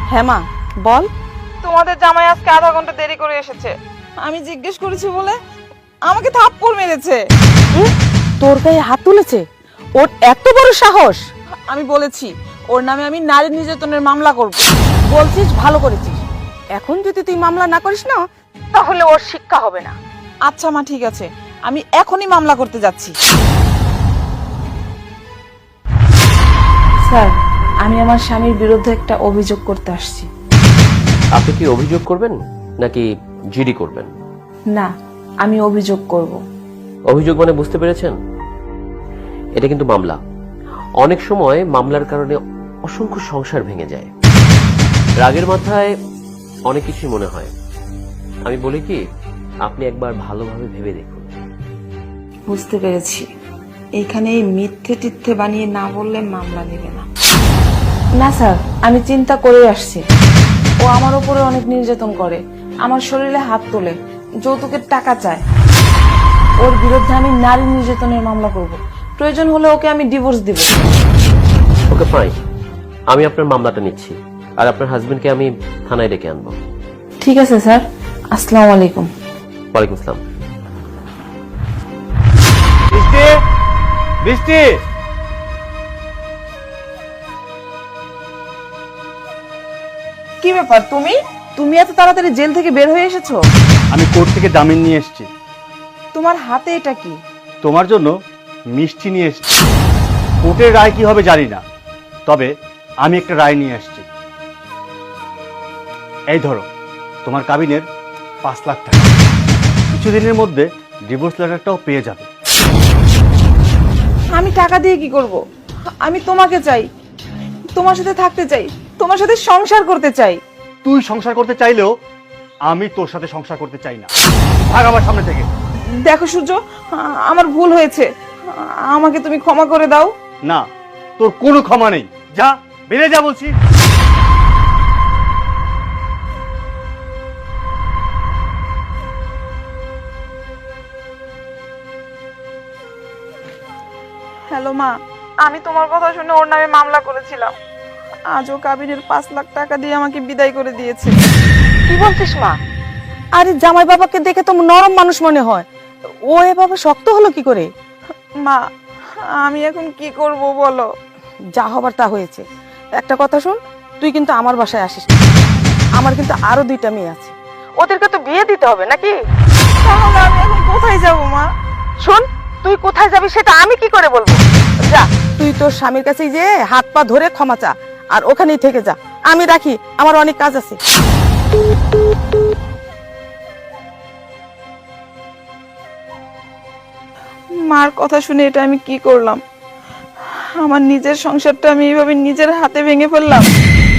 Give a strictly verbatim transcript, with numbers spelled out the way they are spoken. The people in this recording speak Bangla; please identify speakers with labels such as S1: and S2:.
S1: হ্যাঁ মা বল।
S2: তোমাদের জামাই আজকে আধা ঘন্টা দেরি করে এসেছে। আমি জিজ্ঞেস করেছি বলে আমাকে থাপ্পড় মেরেছে।
S1: তোর গায়ে হাত তুলেছে? ওর এত বড় সাহস!
S2: আমি বলেছি ওর নামে আমি নারী নির্যাতনের মামলা করব।
S1: বলছিস, ভালো করেছিস। এখন যদি তুই মামলা না করিস না, তাহলে ওর শিক্ষা হবে না।
S2: আচ্ছা মা, ঠিক আছে, আমি এখনই মামলা করতে যাচ্ছি।
S1: স্যার, আমি আমার স্বামীর বিরুদ্ধে একটা অভিযোগ করতে আসছি।
S3: আপনি কি অভিযোগ করবেন নাকি জিডি করবেন?
S1: না, আমি অভিযোগ করব।
S3: অভিযোগ মানে বুঝতে পেরেছেন? এটা কিন্তু মামলা। অনেক সময় মামলার কারণে অসংখ্য সংসার ভেঙে যায়। রাগের মাথায় অনেক কিছু মনে হয়। আমি বলি কি, আপনি একবার ভালোভাবে ভেবে দেখুন।
S1: বুঝতে পেরেছি। এইখানে এই মিথ্যে টিথ্যে বানিয়ে না বললে মামলা নেবে না। না স্যার, আমি চিন্তা করে আসছি। ও আমার উপরে অনেক নির্যাতন করে, আমার শরীরে হাত তোলে, যৌতুকের টাকা চায়। ওর বিরুদ্ধে আমি নারী নির্যাতনের মামলা করব। প্রয়োজন হলে ওকে আমি ডিভোর্স দিব।
S3: ওকে ফাইন, আমি আপনার মামলাটা নিচ্ছি, আর আপনার হাজবেন্ডকে আমি থানায় ডেকে আনবো।
S1: ঠিক আছে স্যার, আসসালামু আলাইকুম।
S3: ওয়ালাইকুম আসসালাম।
S4: বৃষ্টি, বৃষ্টি,
S2: কি ব্যাপার, তুমি তুমি এত তাড়াতাড়ি জেল থেকে বের হয়ে এসেছো?
S4: আমি কোর্ট থেকে জামিন নিয়ে এসেছি।
S2: তোমার হাতে এটা কি?
S4: তোমার জন্য মিষ্টি নিয়ে এসেছি। কোর্টের রায় কি হবে জানি না, তবে আমি একটা রায় নিয়ে এসেছি। এই ধরো, তোমার কাবিনের পাঁচ লাখ টাকা। কিছুদিনের মধ্যে ডিভোর্স লেটারটাও পেয়ে যাবে।
S2: আমি টাকা দিয়ে কি করব? আমি তোমাকে চাই, তোমার সাথে থাকতে চাই, তোমার সাথে সংসার করতে চাই।
S4: তুই সংসার করতে চাইলেও আমি তোর সাথে সংসার করতে চাই না। ভাগ আমার সামনে থেকে।
S2: দেখো সূর্য, আমার ভুল হয়েছে, আমাকে তুমি ক্ষমা করে দাও।
S4: না, তোর কোনো ক্ষমা নেই। যা, বেরিয়ে যা বলছি।
S2: হ্যালো মা, আমি তোমার কথা শুনে ওর নামে মামলা করেছিলাম। আজও কাবিনের পাঁচ লাখ টাকা দিয়ে আমাকে বিদায় করে দিয়েছে।
S1: কি বলছিস মা? আরে জামাই বাবাকে দেখে তো নরম মানুষ মনে হয়, ও এভাবে শক্ত হলো কি করে?
S2: মা, আমি এখন কি করব বলো?
S1: যা হবার তা হয়েছে। একটা কথা শুন, তুই কিন্তু আমার বাসায় আসিস না। আমার কিন্তু আরো দুইটা মেয়ে আছে, ওদেরকে তো বিয়ে দিতে হবে নাকি?
S2: তাহলে আমি এখন কোথায় যাব মা?
S1: শোন, তুই কোথায় যাবি সেটা আমি কি করে বলবো? যা, তুই তোর স্বামীর কাছে যে হাত পা ধরে ক্ষমা চা, আর ওখানেই থেকে যা। আমি রাখি, আমার অনেক কাজ আছে।
S2: মার কথা শুনে এটা আমি কি করলাম? আমার নিজের সংসারটা আমি এইভাবে নিজের হাতে ভেঙে ফেললাম।